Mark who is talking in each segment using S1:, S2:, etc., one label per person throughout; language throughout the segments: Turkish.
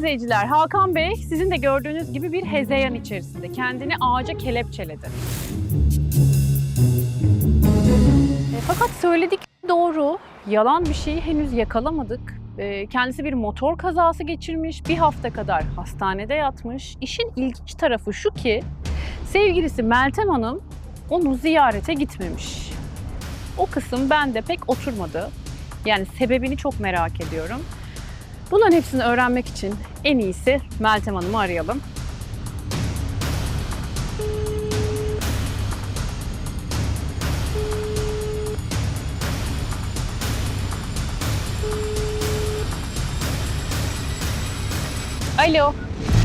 S1: izleyiciler, Hakan Bey sizin de gördüğünüz gibi bir hezeyan içerisinde. Kendini ağaca kelepçeledi. Fakat söyledik doğru, yalan bir şeyi henüz yakalamadık. Kendisi bir motor kazası geçirmiş, bir hafta kadar hastanede yatmış. İşin ilginç tarafı şu ki, sevgilisi Meltem Hanım onu ziyarete gitmemiş. O kısım bende pek oturmadı. Yani sebebini çok merak ediyorum. Bunların hepsini öğrenmek için en iyisi Meltem Hanım'ı arayalım. Alo.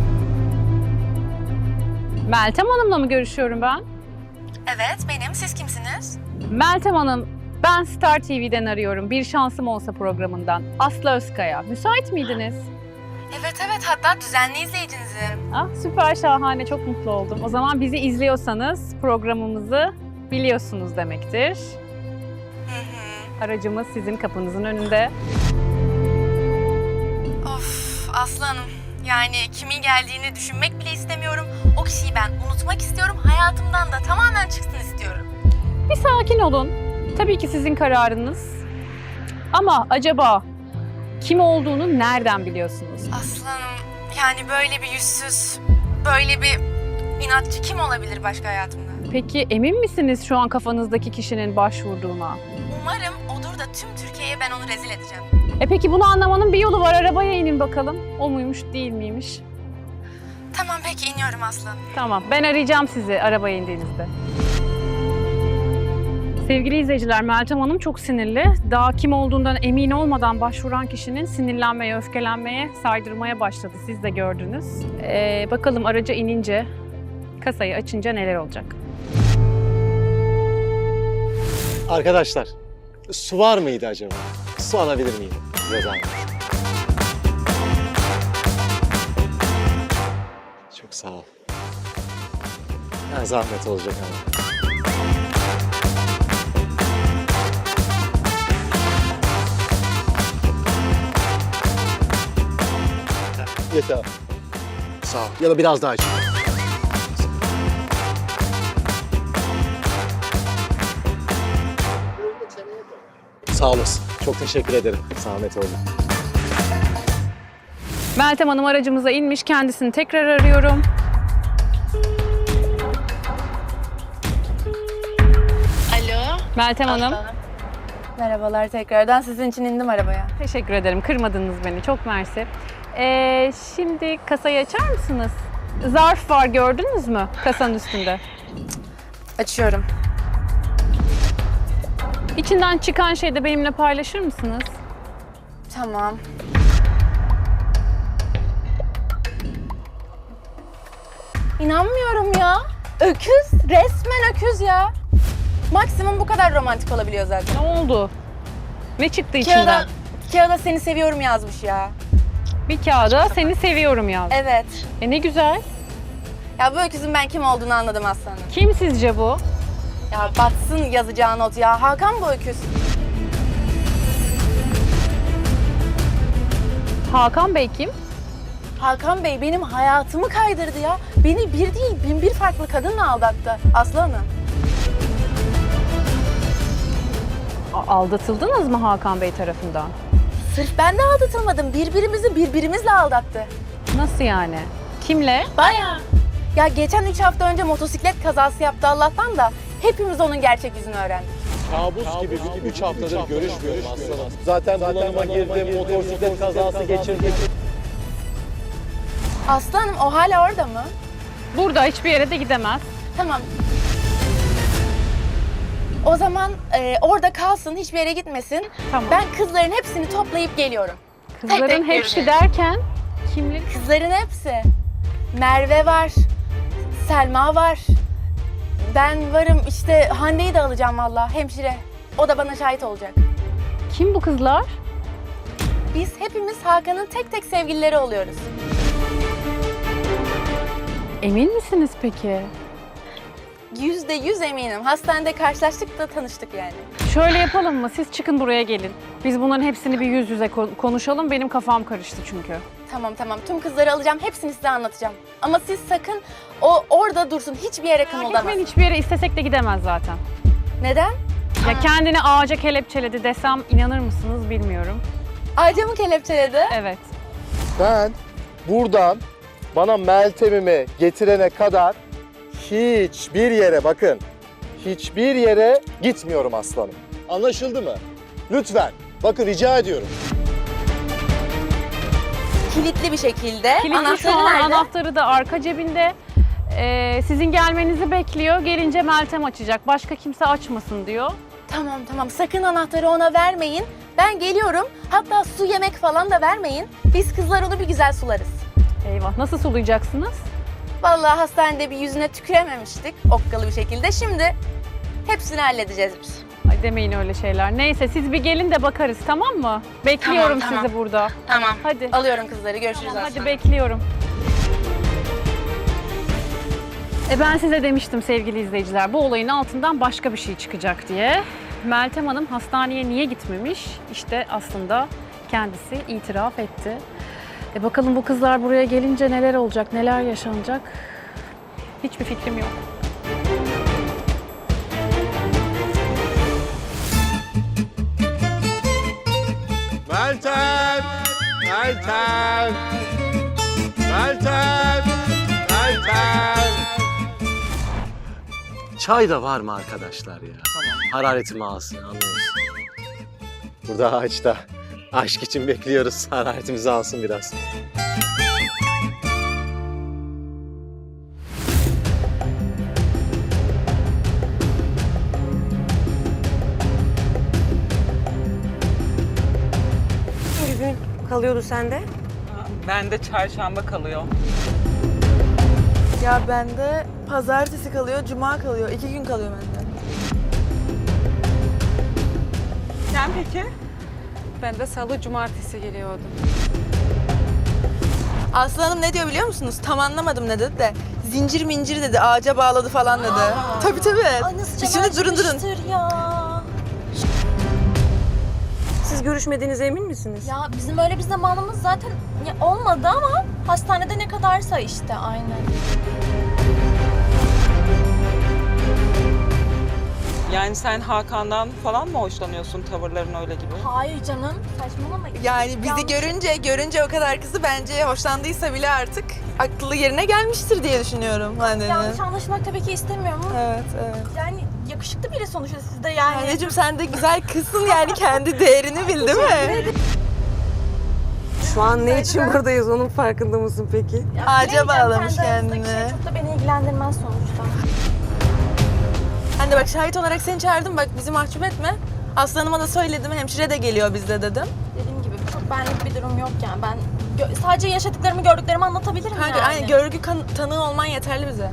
S1: Meltem Hanım'la mı görüşüyorum ben?
S2: Evet, benim. Siz kimsiniz?
S1: Meltem Hanım, ben Star TV'den arıyorum. Bir Şansım Olsa programından. Aslı Özkaya. Müsait miydiniz?
S2: Evet, hatta düzenli izleyicinizim.
S1: Ah, süper, şahane. Çok mutlu oldum. O zaman bizi izliyorsanız programımızı biliyorsunuz demektir. Aracımız sizin kapınızın önünde.
S2: Of, Aslı Hanım. Yani kimin geldiğini düşünmek bile istemiyorum. O kişiyi ben unutmak istiyorum. Hayatımdan da tamamen çıksın istiyorum.
S1: Bir sakin olun. Tabii ki sizin kararınız. Ama acaba kim olduğunu nereden biliyorsunuz?
S2: Aslı Hanım, yani böyle bir yüzsüz, böyle bir inatçı kim olabilir başka hayatımda?
S1: Peki emin misiniz şu an kafanızdaki kişinin başvurduğuna?
S2: Umarım odur da tüm Türkiye'ye ben onu rezil edeceğim.
S1: Peki bunu anlamanın bir yolu var. Arabaya inin bakalım. O muymuş, değil miymiş?
S2: Tamam, peki iniyorum Aslı Hanım.
S1: Tamam, ben arayacağım sizi arabaya indiğinizde. Sevgili izleyiciler, Meltem Hanım çok sinirli. Daha kim olduğundan emin olmadan başvuran kişinin sinirlenmeye, öfkelenmeye, saydırmaya başladı. Siz de gördünüz. Bakalım araca inince, kasayı açınca neler olacak?
S3: Arkadaşlar, su var mıydı acaba? Su alabilir miyim? Size zahmet. Çok sağ ol. Ya zahmet olacak ama. Yeter. Sağ ol. Ya da biraz daha iç. Sağ olasın. Çok teşekkür ederim. Zahmet oldu.
S1: Meltem Hanım aracımıza inmiş. Kendisini tekrar arıyorum.
S2: Alo.
S1: Meltem Hanım.
S2: Merhabalar tekrardan. Sizin için indim arabaya.
S1: Teşekkür ederim. Kırmadınız beni. Çok mersi. Şimdi kasayı açar mısınız? Zarf var, gördünüz mü kasanın üstünde?
S2: Açıyorum.
S1: İçinden çıkan şeyi de benimle paylaşır mısınız?
S2: Tamam. İnanmıyorum ya. Öküz. Resmen öküz ya. Maksimum bu kadar romantik olabiliyor zaten.
S1: Ne oldu? Ne çıktı içinden?
S2: Kağıda seni seviyorum yazmış ya.
S1: Bir kağıda seni seviyorum yaz.
S2: Evet.
S1: Ne güzel.
S2: Ya bu öküzün ben kim olduğunu anladım aslanım.
S1: Kim sizce bu?
S2: Ya batsın yazacağı not ya. Hakan bu öküz.
S1: Hakan Bey kim?
S2: Hakan Bey benim hayatımı kaydırdı ya. Beni bir değil 1001 farklı kadınla aldattı. Aslı Hanım.
S1: Aldatıldınız mı Hakan Bey tarafından?
S2: Sırf ben de aldatılmadım. Birbirimizi birbirimizle aldattı.
S1: Nasıl yani? Kimle?
S2: Bayağı. Ya geçen 3 hafta önce motosiklet kazası yaptı Allah'tan da hepimiz onun gerçek yüzünü öğrendik.
S3: Kabus gibi 3 haftadır görüşmüyorum aslanım. Zaten bunalıma girdim, motosiklet kazası geçirdim.
S2: Aslı Hanım o hala orada mı?
S1: Burada, hiçbir yere de gidemez.
S2: Tamam. O zaman orada kalsın, hiçbir yere gitmesin.
S1: Tamam.
S2: Ben kızların hepsini toplayıp geliyorum.
S1: Kızların
S2: tek
S1: hepsi
S2: göreceğiz.
S1: derken kimleri?
S2: Kızların hepsi. Merve var, Selma var. Ben varım, işte Hande'yi de alacağım valla, hemşire. O da bana şahit olacak.
S1: Kim bu kızlar?
S2: Biz hepimiz Hakan'ın tek tek sevgilileri oluyoruz.
S1: Emin misiniz peki?
S2: %100 eminim. Hastanede karşılaştık da tanıştık yani.
S1: Şöyle yapalım mı? Siz çıkın buraya gelin. Biz bunların hepsini bir yüz yüze konuşalım. Benim kafam karıştı çünkü.
S2: Tamam. Tüm kızları alacağım. Hepsini size anlatacağım. Ama siz sakın o orada dursun. Hiçbir yere kımıldamaz.
S1: Gitmeyin, hiçbir yere istesek de gidemez zaten.
S2: Neden?
S1: Ya kendini ağaca kelepçeledi desem inanır mısınız bilmiyorum.
S2: Ağaca mı kelepçeledi?
S1: Evet.
S3: Ben buradan bana Meltem'imi getirene kadar hiçbir yere, bakın, hiçbir yere gitmiyorum aslanım. Anlaşıldı mı? Lütfen. Bakın rica ediyorum.
S2: Kilitli bir şekilde.
S1: Kilitli şu
S2: Anahtarı
S1: an,
S2: nerede?
S1: anahtarı da arka cebinde. Sizin gelmenizi bekliyor. Gelince Meltem açacak. Başka kimse açmasın diyor.
S2: Tamam. Sakın anahtarı ona vermeyin. Ben geliyorum. Hatta su yemek falan da vermeyin. Biz kızlar onu bir güzel sularız.
S1: Eyvah, nasıl sulayacaksınız?
S2: Vallahi hastanede bir yüzüne tükürememiştik okkalı bir şekilde. Şimdi hepsini halledeceğiz biz.
S1: Ay demeyin öyle şeyler. Neyse siz bir gelin de bakarız, tamam mı? Bekliyorum
S2: Tamam.
S1: sizi burada.
S2: Tamam.
S1: Hadi.
S2: Alıyorum kızları. Görüşürüz
S1: Tamam, hadi
S2: aslında.
S1: bekliyorum. Ben size demiştim sevgili izleyiciler, bu olayın altından başka bir şey çıkacak diye. Meltem Hanım hastaneye niye gitmemiş? İşte aslında kendisi itiraf etti. Bakalım bu kızlar buraya gelince neler olacak, neler yaşanacak? Hiçbir fikrim yok.
S3: Meltem! Meltem! Meltem! Meltem! Çay da var mı arkadaşlar ya? Tamam. Hararetimi alsın, anlıyorsun. Burada ağaçta aşk için bekliyoruz. Hararetimizi alsın biraz.
S4: Bir gün kalıyordu sende.
S5: Bende çarşamba kalıyor.
S6: Ya bende pazartesi kalıyor, cuma kalıyor. 2 gün kalıyor bende.
S5: Sen peki?
S4: Ben de salı, cumartesi geliyordum.
S6: Aslı Hanım ne diyor biliyor musunuz? Tam anlamadım ne dedi de. Zincir mincir dedi, ağaca bağladı falan dedi. Tabii. Şimdi durun.
S4: Siz görüşmediğinize emin misiniz?
S7: Ya bizim öyle bir zamanımız zaten olmadı ama hastanede ne kadarsa işte aynen.
S5: Yani sen Hakan'dan falan mı hoşlanıyorsun, tavırların öyle gibi?
S7: Hayır canım saçmalama.
S6: Yani bizi görünce o kadar kızı bence hoşlandıysa bile artık aklı yerine gelmiştir diye düşünüyorum Hande'nin.
S7: Yanlış anlaşılmak tabii ki istemiyorum ama
S6: Evet.
S7: yani yakışıklı biri sonuçta siz de yani.
S6: Anneciğim sen de güzel kızsın yani kendi değerini bil değil mi?
S4: Şu an ne için buradayız onun farkında mısın peki?
S7: Ya,
S6: Ağaca
S7: bilemeyeceğim,
S6: bağlamış
S7: kendi aranızdaki
S6: kendini.
S7: Şey çok da beni ilgilendirmez sonuçta.
S6: Hande bak şahit olarak seni çağırdım bak bizi mahcup etme. Aslı Hanım'a da söyledim hemşire de geliyor bizde dedim.
S7: Dediğim gibi çok benlik bir durum yok yani ben sadece yaşadıklarımı gördüklerimi anlatabilirim
S6: Kanka
S7: yani.
S6: aynen görgü tanığı olman yeterli bize.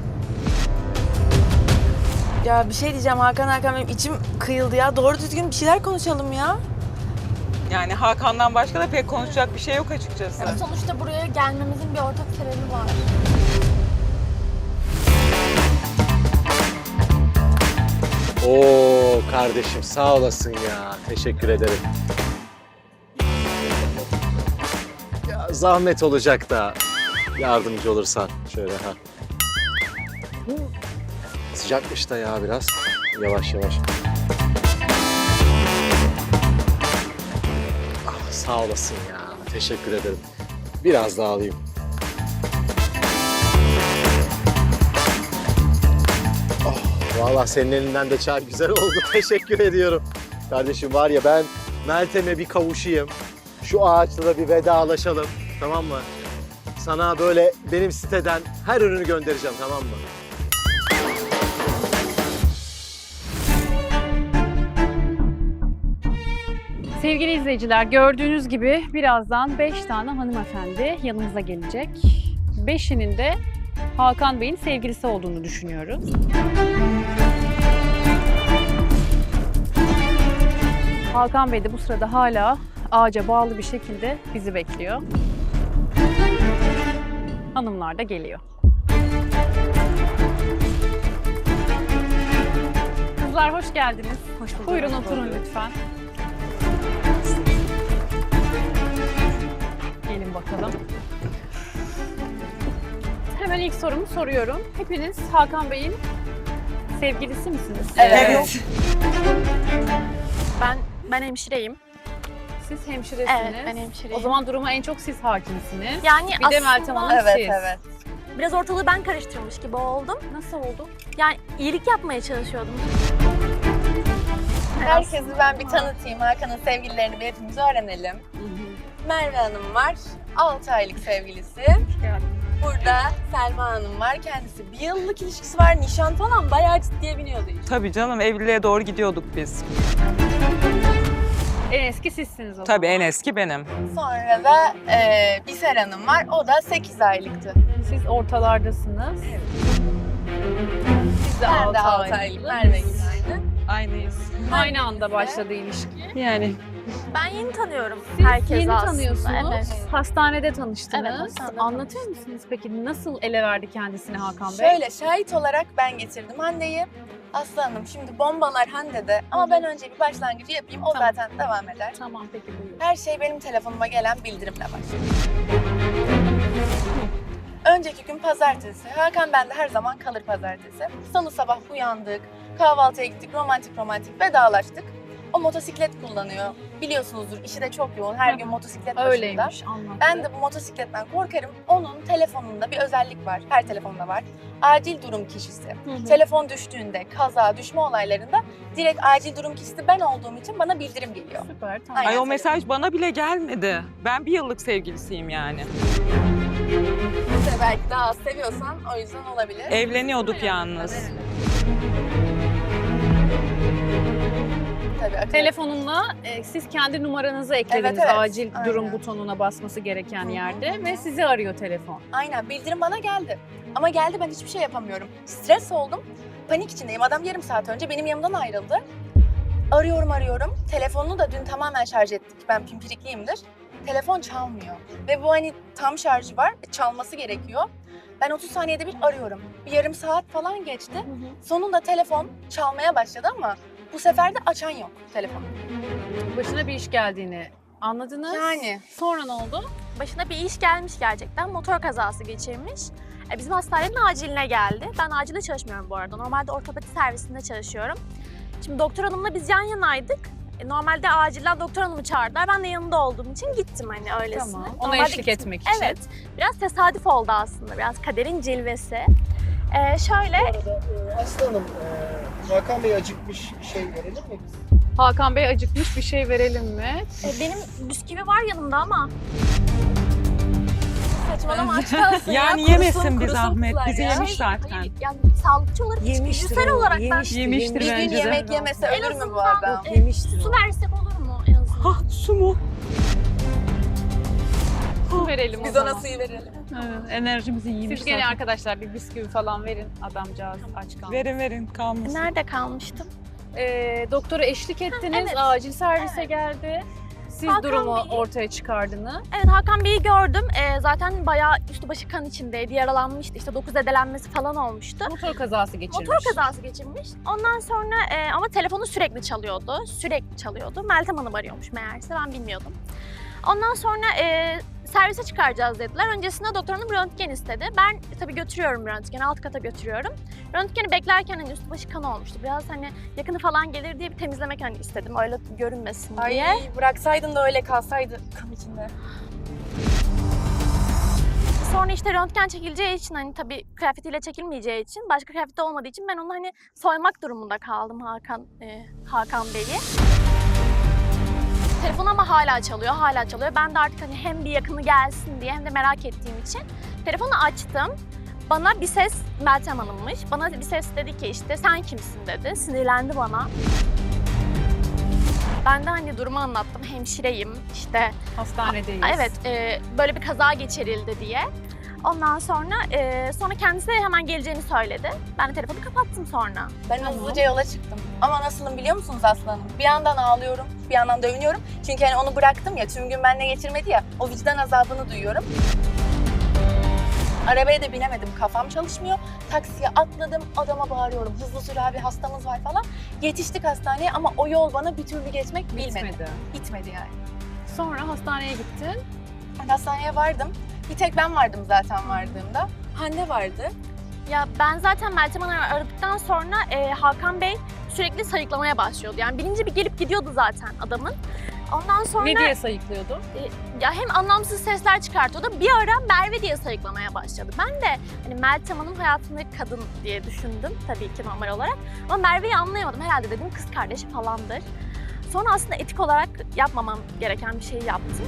S6: Ya bir şey diyeceğim Hakan benim içim kıyıldı ya. Doğru düzgün bir şeyler konuşalım ya.
S5: Yani Hakan'dan başka da pek konuşacak bir şey yok açıkçası.
S7: Sonuçta buraya gelmemizin bir ortak sebebi var.
S3: Oo kardeşim sağ olasın ya. Teşekkür ederim. Ya zahmet olacak da yardımcı olursan şöyle ha. Sıcakmış da ya biraz. Yavaş yavaş. Ah, sağ olasın ya. Teşekkür ederim. Biraz daha alayım. Vallahi senin elinden de çay güzel oldu. Teşekkür ediyorum. Kardeşim var ya ben Meltem'e bir kavuşayım. Şu ağaçla da bir vedalaşalım. Tamam mı? Sana böyle benim siteden her ürünü göndereceğim, tamam mı?
S1: Sevgili izleyiciler, gördüğünüz gibi birazdan 5 tane hanımefendi yanımıza gelecek. 5'inin de Hakan Bey'in sevgilisi olduğunu düşünüyoruz. Hakan Bey de bu sırada hala ağaca bağlı bir şekilde bizi bekliyor. Hanımlar da geliyor. Kızlar hoş geldiniz.
S4: Hoş bulduk.
S1: Buyurun oturun lütfen. Gelin bakalım. Hemen ilk sorumu soruyorum. Hepiniz Hakan Bey'in sevgilisi misiniz?
S6: Evet.
S7: Ben hemşireyim.
S1: Siz hemşiresiniz.
S7: Evet, ben hemşireyim.
S1: O zaman duruma en çok siz hakimsiniz.
S7: Yani
S1: Bir de Meltem Hanım
S6: Evet,
S1: siz.
S6: evet.
S7: biraz ortalığı ben karıştırmış gibi oldum.
S1: Nasıl oldu?
S7: Yani iyilik yapmaya çalışıyordum.
S2: Herkesi ben bir tanıtayım. Hakan'ın sevgililerini bir hepimiz öğrenelim. Merve Hanım var. 6 aylık sevgilisi. Burada Selma Hanım var. Kendisi 1 yıllık ilişkisi var. Nişan falan bayağı ciddiye biniyordu işte.
S5: Tabii canım, evliliğe doğru gidiyorduk biz.
S1: En eski sizsiniz o zaman.
S5: Tabii en eski benim.
S2: Sonra da Biser Hanım var. O da 8 aylıktı.
S1: Siz ortalardasınız. Siz de
S2: Ben de 6
S1: 6
S2: aylık. Merve gibi aynı.
S5: Aynıyız.
S1: Aynı anda başladı ilişki.
S5: Yani
S7: Ben yeni tanıyorum
S1: Siz
S7: herkesi
S1: yeni
S7: aslında.
S1: tanıyorsunuz.
S7: Evet.
S1: Hastanede tanıştınız.
S7: Evet, hastanede
S1: Anlatır
S7: tanıştık.
S1: mısınız peki nasıl ele verdi kendisini Hakan Bey?
S2: Şöyle şahit olarak ben getirdim Hande'yi. Aslı Hanım şimdi bombalar Hande'de ama ben önce bir başlangıcı yapayım. O
S1: Tamam.
S2: zaten devam eder.
S1: Tamam peki buyurun.
S2: Her şey benim telefonuma gelen bildirimle başlıyor. Önceki gün pazartesi. Hakan bende her zaman kalır pazartesi. Salı sabah uyandık, kahvaltıya gittik, romantik vedalaştık. O motosiklet kullanıyor. Biliyorsunuzdur işi de çok yoğun. Her gün motosiklet başında.
S1: Öyleymiş anlattı.
S2: Ben de bu motosikletten korkarım. Onun telefonunda bir özellik var. Her telefonda var. Acil durum kişisi.
S1: Hı.
S2: Telefon düştüğünde, kaza, düşme olaylarında direkt acil durum kişisi ben olduğum için bana bildirim geliyor.
S1: Süper tamam.
S2: Aynen.
S5: ay o mesaj bana bile gelmedi. Ben 1 yıllık sevgilisiyim yani.
S2: İşte belki daha az seviyorsan o yüzden olabilir.
S5: Evleniyorduk yalnız.
S2: Tabii, akıllı.
S1: Telefonumla siz kendi numaranızı eklediniz
S2: Evet, evet.
S1: acil durum
S2: Aynen.
S1: butonuna basması gereken
S2: Hı hı.
S1: yerde ve sizi arıyor telefon.
S2: Aynen bildirim bana geldi. Ama geldi ben hiçbir şey yapamıyorum. Stres oldum. Panik içindeyim. Adam yarım saat önce benim yanımdan ayrıldı. Arıyorum. Telefonunu da dün tamamen şarj ettik. Ben pimpirikliyimdir. Telefon çalmıyor. Ve bu hani tam şarjı var. Çalması gerekiyor. Ben 30 saniyede bir arıyorum. Bir yarım saat falan geçti. Sonunda telefon çalmaya başladı ama bu sefer de açan yok telefonu.
S1: Başına bir iş geldiğini anladınız.
S2: Yani.
S1: Sonra ne oldu?
S7: Başına bir iş gelmiş gerçekten. Motor kazası geçirmiş. Bizim hastanenin aciline geldi. Ben acilde çalışmıyorum bu arada. Normalde ortopedi servisinde çalışıyorum. Şimdi doktor hanımla biz yan yanaydık. Normalde acilden doktor hanımı çağırdılar. Ben de yanında olduğum için gittim hani öylesine.
S1: Tamam. Ona
S7: Normalde
S1: eşlik
S7: gittim.
S1: etmek için.
S7: Evet. Biraz tesadüf oldu aslında. Biraz kaderin cilvesi. Şöyle
S8: Aslı Hanım, Hakan Bey acıkmış bir şey verelim mi biz?
S1: Hakan Bey acıkmış bir şey verelim mi?
S7: benim bisküvi var yanımda ama. Saçmalama aç kalsın ya.
S5: Yani
S7: Kurusun,
S5: yemesin bir
S7: kurusun
S5: zahmet.
S7: kızlar
S5: Bizi
S7: ya.
S5: yemiş zaten.
S7: Hayır, yani sağlıkçı olarak içgüdüsel olarak
S5: Yemiştir
S2: Bir gün
S5: bence de.
S2: yemek yemese
S7: En
S2: ölür mü bu
S7: azından,
S2: adam?
S4: Yemiştir
S7: su
S4: o.
S7: versek olur mu en azından?
S5: Ha su mu?
S1: Su verelim o
S2: Biz
S1: zaman.
S2: ona suyu verelim.
S5: Evet, enerjimizi yemiş
S1: Siz gene
S5: zaten.
S1: arkadaşlar bir bisküvi falan verin adamcağız aç kalmasın.
S5: Verin kalmasın.
S7: Nerede kalmıştım?
S1: Doktora eşlik ettiniz,
S7: evet.
S1: acil servise geldi. Siz
S7: Hakan
S1: durumu
S7: Bey-
S1: ortaya çıkardınız.
S7: Evet Hakan Bey'i gördüm. Zaten bayağı üstü başı kan içindeydi, yaralanmıştı. İşte 9 zedelenmesi falan olmuştu.
S1: Motor kazası geçirmiş.
S7: Motor kazası geçirmiş. Ondan sonra ama telefonu sürekli çalıyordu. Sürekli çalıyordu. Meltem Hanım arıyormuş meğerse ben bilmiyordum. Ondan sonra servise çıkaracağız dediler. Öncesinde doktor hanım röntgen istedi. Ben tabii götürüyorum röntgeni, alt kata götürüyorum. Röntgeni beklerken hani üstü başı kan olmuştu. Biraz hani yakını falan gelir diye bir temizlemek hani istedim. Öyle görünmesin diye.
S2: Ay bıraksaydın da öyle kalsaydı kan içinde.
S7: Sonra işte röntgen çekileceği için hani tabii kıyafetiyle çekilmeyeceği için, başka kıyafeti olmadığı için ben onu hani soymak durumunda kaldım Hakan Bey'i. Telefon ama hala çalıyor. Ben de artık hani hem bir yakını gelsin diye hem de merak ettiğim için telefonu açtım. Bana bir ses, Meltem Hanım'mış. Bana bir ses dedi ki işte sen kimsin dedi. Sinirlendi bana. Ben de hani durumu anlattım. Hemşireyim işte.
S1: Hastanedeyiz.
S7: Evet, böyle bir kaza geçirildi diye. Ondan sonra kendisi de hemen geleceğini söyledi. Ben de telefonu kapattım sonra.
S2: Ben hızlıca yola çıktım. Ama nasılım biliyor musunuz Aslı Hanım? Bir yandan ağlıyorum, bir yandan da övünüyorum. Çünkü hani onu bıraktım ya, tüm gün benimle geçirmedi ya. O vicdan azabını duyuyorum. Arabaya da binemedim, kafam çalışmıyor. Taksiye atladım, adama bağırıyorum. Hızlı sür abi, hastamız var falan. Yetiştik hastaneye ama o yol bana bir türlü geçmek bilmedi.
S1: Bitmedi.
S2: Bitmedi yani.
S1: Sonra hastaneye gittin.
S2: Ben hastaneye vardım. Bir tek ben vardım zaten vardığımda. Hande vardı.
S7: Ya ben zaten Meltem Hanım'ı aradıktan sonra Hakan Bey sürekli sayıklamaya başlıyordu. Yani bilinci bir gelip gidiyordu zaten adamın. Ondan sonra
S1: Ne diye sayıklıyordu?
S7: ya hem anlamsız sesler çıkartıyordu. Bir ara Merve diye sayıklamaya başladı. Ben de hani Meltem Hanım hayatındaki kadın diye düşündüm tabii ki normal olarak. Ama Merve'yi anlayamadım. Herhalde dedim kız kardeşi falandır. Sonra aslında etik olarak yapmamam gereken bir şeyi yaptım.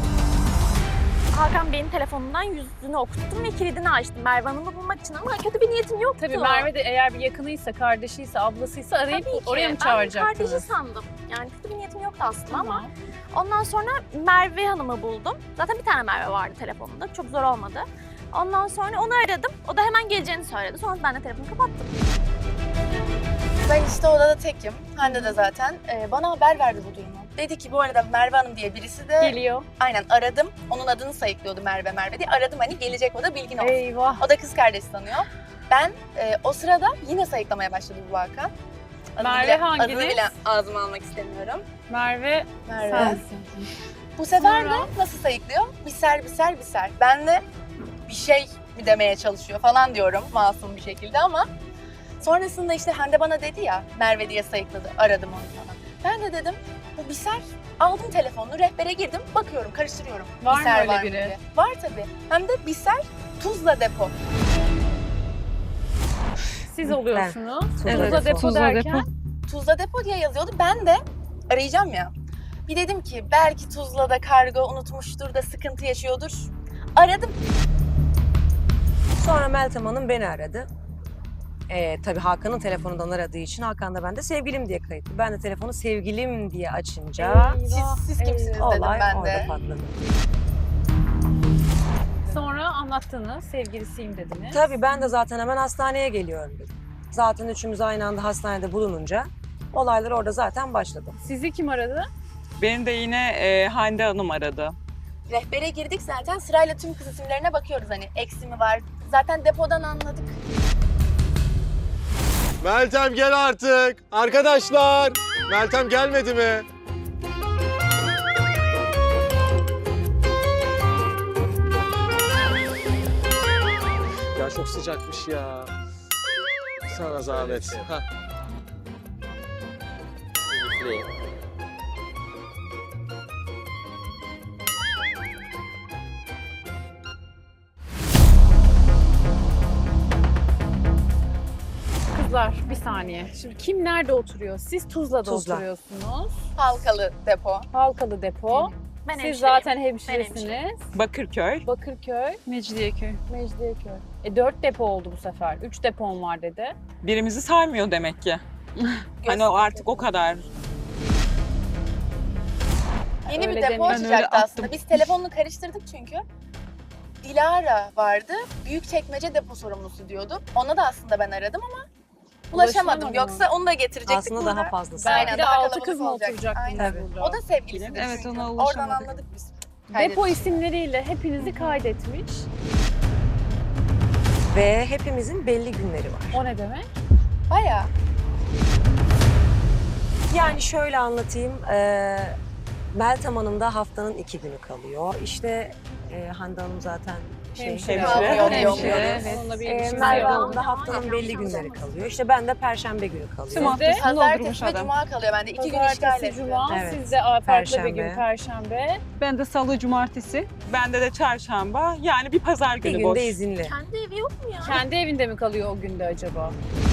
S7: Hakan Bey'in telefonundan yüzünü okuttum ve kilidini açtım Merve Hanım'ı bulmak için ama kötü bir niyetim yoktu.
S1: Tabii Merve de eğer bir yakınıysa, kardeşiyse, ablasıysa arayıp
S7: Tabii ki.
S1: oraya mı
S7: Ben
S1: çağıracaktınız?
S7: kardeşi sandım. Yani kötü bir niyetim yoktu aslında ama
S1: Tamam.
S7: ondan sonra Merve Hanım'ı buldum. Zaten bir tane Merve vardı telefonunda. Çok zor olmadı. Ondan sonra onu aradım. O da hemen geleceğini söyledi. Sonra ben de telefonu kapattım.
S2: Ben işte odada tekim. Hande de zaten. Bana haber verdi bu durumu. Dedi ki bu arada Merve Hanım diye birisi de
S1: Geliyor.
S2: aynen aradım. Onun adını sayıklıyordu Merve diye. Aradım hani gelecek o da bilgin olsun.
S1: Eyvah.
S2: O da kız kardeşi sanıyor. Ben o sırada yine sayıklamaya başladı bu Hakan.
S1: Merve hanginiz?
S2: Adını bile ağzıma almak istemiyorum.
S1: Merve
S2: Merve.
S1: sensin.
S2: Bu sefer
S1: Sonra?
S2: de nasıl sayıklıyor? Biser. Ben de bir şey mi demeye çalışıyor falan diyorum masum bir şekilde ama sonrasında işte Hande bana dedi ya Merve diye sayıkladı. Aradım onu falan. Ben de dedim bu Biser. Aldım telefonunu, rehbere girdim, bakıyorum, karıştırıyorum.
S1: Var mı
S2: Biser
S1: öyle
S2: var mı
S1: biri?
S2: diye. Var tabii. Hem de Biser Tuzla depo.
S1: Siz oluyorsunuz.
S4: Evet.
S1: Tuzla depo
S4: Tuzla
S1: derken.
S2: Tuzla depo diye yazıyordu. Ben de arayacağım ya. Bir dedim ki belki Tuzla'da kargo unutmuştur da sıkıntı yaşıyordur. Aradım.
S4: Sonra Meltem Hanım beni aradı. Tabii Hakan'ın telefonundan aradığı için Hakan da ben de sevgilim diye kayıtlı. Ben de telefonu sevgilim diye açınca
S2: Siz kimsiniz dedim
S4: olay
S2: ben
S4: orada
S2: de.
S4: patladı.
S1: Sonra anlattınız, sevgilisiyim dediniz.
S4: Tabii ben de zaten hemen hastaneye geliyorum dedim. Zaten üçümüz aynı anda hastanede bulununca olaylar orada zaten başladı.
S1: Sizi kim aradı?
S5: Beni de yine Hande Hanım aradı.
S2: Rehbere girdik zaten sırayla tüm kız isimlerine bakıyoruz hani eksi mi var. Zaten depodan anladık.
S3: Meltem gel artık. Arkadaşlar. Meltem gelmedi mi? Ya çok sıcakmış ya. Sana zahmet. Hah.
S1: Kızlar bir saniye. Şimdi kim nerede oturuyor? Siz Tuzla'da
S4: Tuzla.
S1: oturuyorsunuz.
S2: Halkalı depo.
S1: Halkalı depo.
S7: Ben
S1: Siz
S7: hemşireyim.
S1: zaten
S7: Ben
S1: hemşiresiniz.
S5: Bakırköy.
S1: Bakırköy,
S5: Mecidiyeköy.
S1: Mecidiyeköy. 4 depo oldu bu sefer. 3 depom var dedi.
S5: Birimizi saymıyor demek ki. Hani o artık o kadar.
S2: Yeni
S1: Öyle
S2: bir depo
S1: demiyor.
S5: Ben öyle
S2: açacaktı
S5: attım.
S2: aslında. Biz telefonunu karıştırdık çünkü. Dilara vardı. Büyükçekmece depo sorumlusu diyordu. Ona da aslında ben aradım ama ulaşamadım.
S1: Ulaşamadın
S2: Yoksa onu da getirecektik
S4: Aslında
S2: burada.
S4: daha fazlası.
S2: Aynen,
S1: Belki de
S2: daha
S1: 6
S2: kalabalık
S1: kız mı
S2: olacak.
S1: oturacaktınız
S2: Aynen.
S1: burada?
S2: O da sevgilisidir
S5: Evet,
S2: çünkü.
S5: ona
S2: Oradan
S5: ulaşamadık.
S2: anladık biz.
S1: Depo isimleriyle hepinizi kaydetmiş.
S4: Ve hepimizin belli günleri var.
S1: O ne demek?
S2: Bayağı.
S4: Yani şöyle anlatayım. Meltem Hanım da haftanın 2 günü kalıyor. İşte Hande Hanım zaten
S1: Hemşire.
S2: Hemşire.
S1: Evet. Onunla bir ilişkisi
S4: Merve
S1: yok.
S4: Hanım da haftanın belli günleri kalıyor. İşte ben de Perşembe günü kalıyor.
S1: Sizde
S2: Pazartesi ve Cuma kalıyor bende. 2 gün işgal
S1: pazartesi,
S2: etti.
S1: cuma,
S4: Evet.
S1: sizde farklı bir gün
S4: Perşembe.
S1: perşembe.
S9: Ben de salı, cumartesi.
S5: Bende de çarşamba. Yani bir pazar
S4: Bir
S5: günü
S4: günde
S5: boş.
S4: izinli.
S7: Kendi evi yok mu ya?
S1: Kendi evinde mi kalıyor o günde acaba?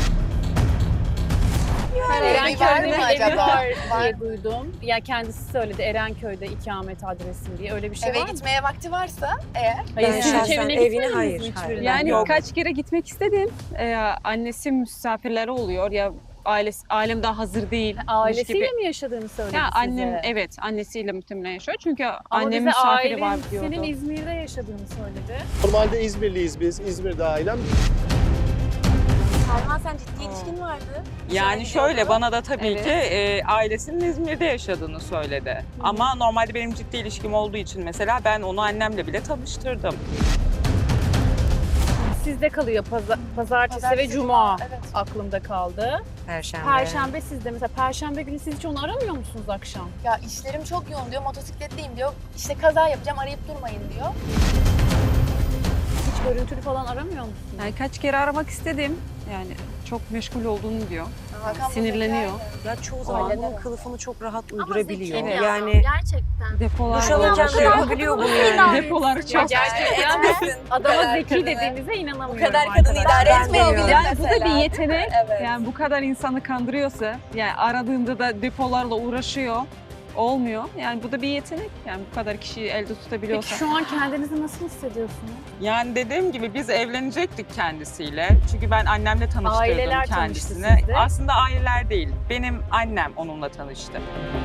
S2: Evi var mı
S1: Erenköy'de bir evi
S2: acaba?
S1: var
S2: Var.
S1: diye duydum. Ya kendisi söyledi Erenköy'de ikamet adresim diye. Öyle bir şey
S2: Eve
S1: var mı?
S2: gitmeye vakti varsa eğer.
S1: Hayır,
S4: Ben
S1: siz hiç
S4: şahsen
S1: evine
S4: evine
S1: gitmediniz
S4: hayır,
S1: mi
S4: hayır.
S1: hiçbirine?
S9: Yani
S4: Yok.
S9: kaç kere gitmek istedim. Annesi misafirleri oluyor ya ailem daha hazır değil.
S1: Ailesiyle mi yaşadığını söyledi
S9: Ya
S1: size?
S9: annem evet annesiyle muhtemelen yaşıyor. Çünkü
S1: Ama
S9: annem
S1: bize
S9: misafiri var
S1: ailen
S9: diyordu.
S1: senin İzmir'de yaşadığını söyledi.
S3: Normalde İzmirliyiz biz. İzmir'de ailem.
S2: Selma sen ciddi ilişkin vardı.
S5: Yani şöyle bana da tabii
S1: Evet.
S5: ki ailesinin İzmir'de yaşadığını söyledi. Ama normalde benim ciddi ilişkim olduğu için mesela ben onu annemle bile tanıştırdım.
S1: sizde kalıyor. Pazartesi ve
S2: Pazartesi,
S1: cuma
S2: Evet.
S1: aklımda kaldı.
S4: Perşembe.
S1: Perşembe sizde. Mesela perşembe günü siz hiç onu aramıyor musunuz akşam?
S2: Ya işlerim çok yoğun diyor, motosikletteyim diyor. İşte kaza yapacağım, arayıp durmayın diyor.
S1: Hiç görüntülü falan aramıyor musunuz?
S9: Yani kaç kere aramak istedim. Yani çok meşgul olduğunu diyor.
S2: Hakan bu
S9: Sinirleniyor.
S2: zekayla.
S4: Ya çoğu zaman
S2: Aynen.
S4: bunun kılıfını çok rahat
S7: Ama
S4: uydurabiliyor.
S7: zeki ya,
S4: Yani
S7: gerçekten.
S9: Depolar
S4: duş alırken
S9: var.
S4: de yapabiliyor bunu yani.
S9: Depolar
S1: Ya
S9: çok.
S1: gerçekten
S2: Etmesin.
S1: adama
S2: Bu kadar
S1: zeki
S2: kadını.
S1: dediğinize inanamıyorum.
S2: Bu kadar kadını
S1: arkadaşlar.
S2: idare
S4: Ben
S2: etmeyebilir
S4: diyorum.
S9: Yani bu da
S2: mesela.
S9: bir yetenek.
S2: Evet.
S9: Yani bu kadar insanı kandırıyorsa, yani aradığında da depolarla uğraşıyor, olmuyor. Yani bu da bir yetenek. Yani bu kadar kişiyi elde
S1: Peki
S9: tutabiliyorsa.
S1: şu an kendinizi nasıl hissediyorsunuz?
S5: Yani dediğim gibi biz evlenecektik kendisiyle. Çünkü ben annemle tanıştırdım
S1: Aileler tanıştı
S5: kendisini.
S1: sizde.
S5: Aslında aileler değil. Benim annem onunla tanıştı.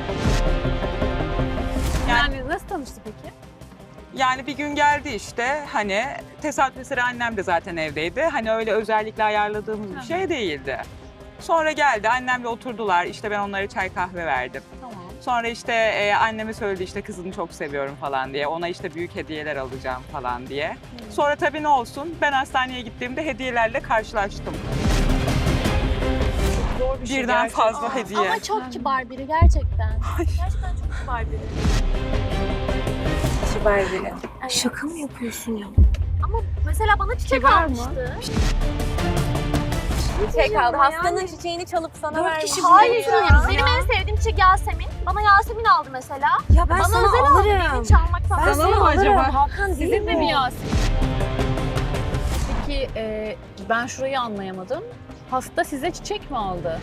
S1: Yani nasıl tanıştı peki?
S5: Yani bir gün geldi işte hani tesadüf eseri annem de zaten evdeydi. Hani öyle özellikle ayarladığımız bir şey değildi. Sonra geldi annemle oturdular. İşte ben onlara çay kahve verdim.
S1: Tamam.
S5: Sonra işte anneme söyledi işte kızını çok seviyorum falan diye. Ona işte büyük hediyeler alacağım falan diye. Sonra tabii ne olsun ben hastaneye gittiğimde hediyelerle karşılaştım.
S1: Zor bir şey
S5: Birden
S1: gerçekten.
S5: fazla hediye.
S7: Ama çok kibar biri gerçekten. Gerçekten çok kibar biri.
S4: Kibar biri.
S7: Evet.
S4: Şaka mı yapıyorsun ya?
S7: Ama mesela bana çiçek
S1: Kibar mı?
S7: almıştı.
S2: Çiçek aldı.
S7: Yani-
S2: Hastanın çiçeğini çalıp sana
S4: 4
S2: vermiş.
S4: kişi
S7: Hayır,
S4: ya.
S7: benim en sevdiğim çiçek Yasemin. Bana Yasemin aldı mesela.
S4: Ya ben
S7: Bana
S4: sana
S7: özel aldı.
S4: alırım.
S7: Beni çalmak falan.
S4: Ben
S9: Sana
S4: sana
S9: mı
S4: alırım.
S9: acaba?
S4: Hakan değil
S1: Sizin de
S4: mi?
S1: mi Yasemin? Peki ben şurayı anlayamadım. Hasta size çiçek mi aldı?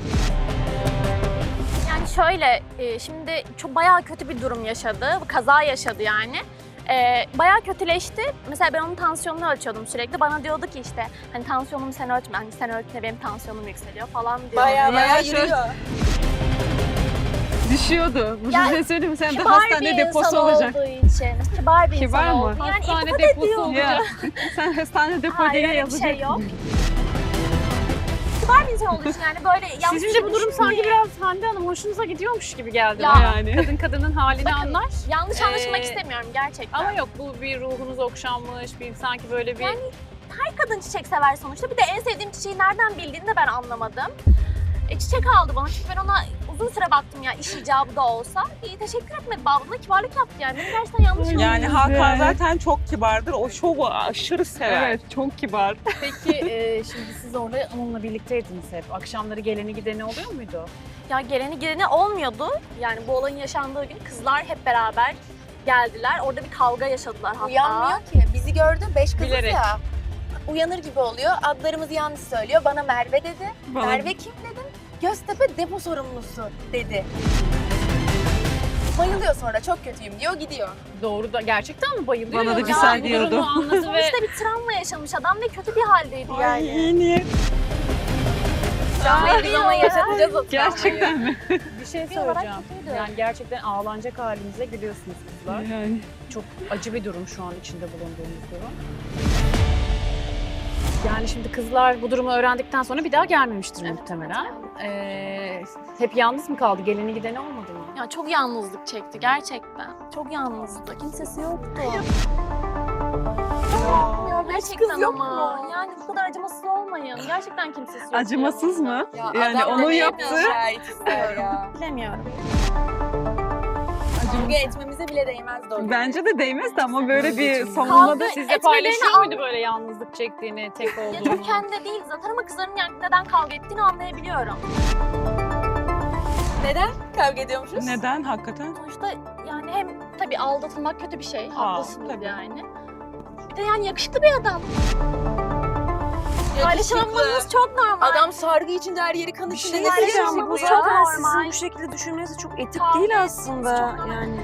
S7: Yani şöyle, şimdi çok bayağı kötü bir durum yaşadı. Kaza yaşadı yani. Bayağı kötüleşti. Mesela ben onun tansiyonunu ölçüyordum sürekli. Bana diyordu ki işte hani tansiyonumu sen ölçme. Hani sen ölçme benim tansiyonum yükseliyor falan diyor.
S2: Bayağı
S9: Ya,
S2: yürüyor.
S9: Düşüyordu. Bu
S7: Yani
S9: şey söyleyeyim mi? Sen de
S7: Kibar
S9: hastane
S7: bir
S9: deposu
S7: insan
S9: olacak.
S7: olduğu için. Kibar bir
S9: Kibar
S7: insan
S9: mı?
S7: olduğu. Yani
S1: Hastane
S7: iltifat
S1: deposu
S7: ediyor.
S1: olacak.
S9: Ya sen hastane depo
S7: Hayır
S9: diye
S7: öyle bir
S9: yazacak.
S7: şey yok. Kibar bir insan olduğu için yani böyle yanlış
S1: Sizin de bu durum sanki biraz Hande Hanım hoşunuza gidiyormuş gibi geldi.
S7: Ya.
S1: bana.
S9: Yani.
S1: Kadın kadının halini
S7: Bakın,
S1: anlar.
S7: yanlış anlaşılmak
S1: Ee,
S7: istemiyorum gerçekten.
S1: Ama yok bu bir ruhunuz okşanmış, bir sanki böyle bir...
S7: Yani her kadın çiçek sever sonuçta. Bir de en sevdiğim çiçeği nereden bildiğini de ben anlamadım. Çiçek aldı bana çünkü ben ona uzun süre baktım ya iş icabı da olsa. İyi teşekkür etmedi babamla kibarlık yaptı yani. Beni gerçekten yanlış anladı.
S5: Yani Hakan zaten çok kibardır. O şovu aşırı sever.
S9: Evet, çok kibar.
S1: Peki şimdi siz orada onunla birlikteydiniz hep. Akşamları geleni gideni oluyor muydu?
S7: Ya geleni gideni olmuyordu. Yani bu olayın yaşandığı gün kızlar hep beraber geldiler. Orada bir kavga yaşadılar hatta.
S2: Uyanmıyor ki. Bizi gördü. 5 kızız
S1: Bilerek.
S2: ya. Uyanır gibi oluyor. Adlarımızı yanlış söylüyor. Bana Merve dedi.
S9: Bana-
S2: Merve kim dedim. Göztepe depo sorumlusu dedi. Bayılıyor sonra. Çok kötüyüm diyor. Gidiyor.
S1: Doğru da gerçekten mi bayılıyor?
S9: Bana da
S1: Yoksa
S9: bir
S1: bu
S9: say
S1: durumu
S9: diyordu.
S1: anladı ve
S7: Sonuçta bir travma yaşamış adam ve kötü bir haldeydi
S5: Ay
S7: yani.
S5: iyi niyet.
S2: Travmayı biz ona yaşatacağız o travmayı.
S9: Gerçekten mi?
S1: bir şey
S7: Bir olarak
S1: söyleyeceğim.
S7: kötüydü.
S1: Yani gerçekten ağlanacak halinize gülüyorsunuz kızlar.
S9: Yani.
S1: Çok acı bir durum şu an içinde bulunduğumuz durum. Yani şimdi kızlar bu durumu öğrendikten sonra bir daha gelmemiştir muhtemelen. Hep yalnız mı kaldı? Geleni gideni olmadı mı?
S7: Ya çok yalnızlık çekti gerçekten. Çok yalnızdı. Kimsesi yoktu. Ya gerçekten
S2: kız yok
S7: ama.
S2: mu?
S7: Yani bu kadar acımasız olmayın. Gerçekten kimsesi yok.
S9: Acımasız mı?
S2: Ya
S9: Yani
S2: adam
S9: onu
S2: da neye
S9: yaptı.
S2: şahit ister ya.
S7: Bilemiyorum.
S2: Kavga etmemize bile değmezdi o gün.
S9: Bence de değmezdi ama böyle bir
S7: Kavga
S9: savunmada
S1: Sizle
S7: etmelerini
S1: paylaşıyor muydu böyle yalnızlık çektiğini, tek
S7: Ya
S1: olduğunu?
S7: çok kendi değil zaten ama kızların yani neden kavga ettiğini anlayabiliyorum.
S2: Neden kavga ediyormuşuz?
S5: Neden hakikaten?
S7: Sonuçta yani hem tabii aldatılmak kötü bir şey. Haklısınız
S5: tabii.
S7: yani. Bir de yani yakışıklı bir adam. Paylaşılmamız çok normal.
S2: Adam sargı içinde her yeri kan
S4: Bir
S2: içinde.
S4: şey
S2: ne
S4: diyeceğim.
S2: paylaşımı
S4: Bu
S2: ya?
S7: çok
S4: zaten sizin
S7: normal.
S4: bu şekilde düşünmeniz çok etik
S7: Kavga
S4: değil
S7: etmeniz
S4: aslında.
S7: çok normal.
S4: Yani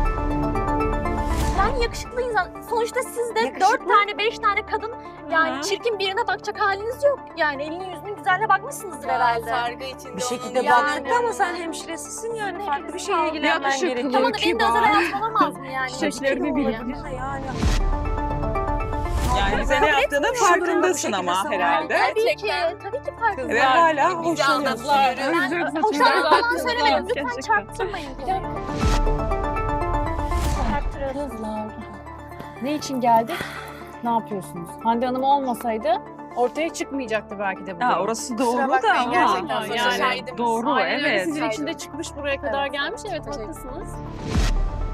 S7: Yani yakışıklı insan. Sonuçta siz de
S4: Yakışıklı.
S7: 4 tane 5 tane kadın yani
S9: Hı.
S7: çirkin birine bakacak haliniz yok. Yani elini yüzünün güzelliğine bakmışsınızdır
S2: Ya,
S7: herhalde.
S2: sargı içinde
S4: bir şekilde
S2: onun
S4: baktık
S2: yani.
S4: ama sen hemşiresisin yani
S7: Ne
S4: farklı bir
S7: bileyim,
S4: şeye ilgilenmen
S9: yakışıklı,
S4: gerekiyor.
S7: Tamam da benim de özel hayatım olamaz mı yani?
S9: Çiçeklerini
S7: Yakışıklı
S9: bilir.
S7: olabilir.
S4: Yani
S5: Yani bize ne yaptığının
S4: etmiyor.
S5: farkındasın
S4: Şunu bu
S5: ama
S4: şekilde
S5: herhalde.
S7: Tabii ki,
S2: Gerçekten.
S7: tabii ki farklı.
S5: Ve hala
S2: Bizi
S5: hoşlanıyorsun.
S2: aldattılar.
S7: Ben
S9: Çok
S7: hoşlanma
S9: saçma.
S7: falan söylemedim. Lütfen
S9: Gerçekten.
S7: çarptırmayın. Çarptırın.
S1: Kızlar. Ne için geldik? ne yapıyorsunuz? Hande Hanım olmasaydı ortaya çıkmayacaktı belki de bu
S9: Ha,
S1: durum.
S9: orası
S2: Kusura
S9: doğru da
S2: bakmayın,
S9: ama
S2: gerçekten
S1: sonuçta
S2: şahidimiz.
S9: doğru
S1: Aynen öyle,
S9: evet.
S1: sizin için de çıkmış buraya kadar
S2: Evet,
S1: gelmiş. Evet
S2: teşekkür
S1: haklısınız.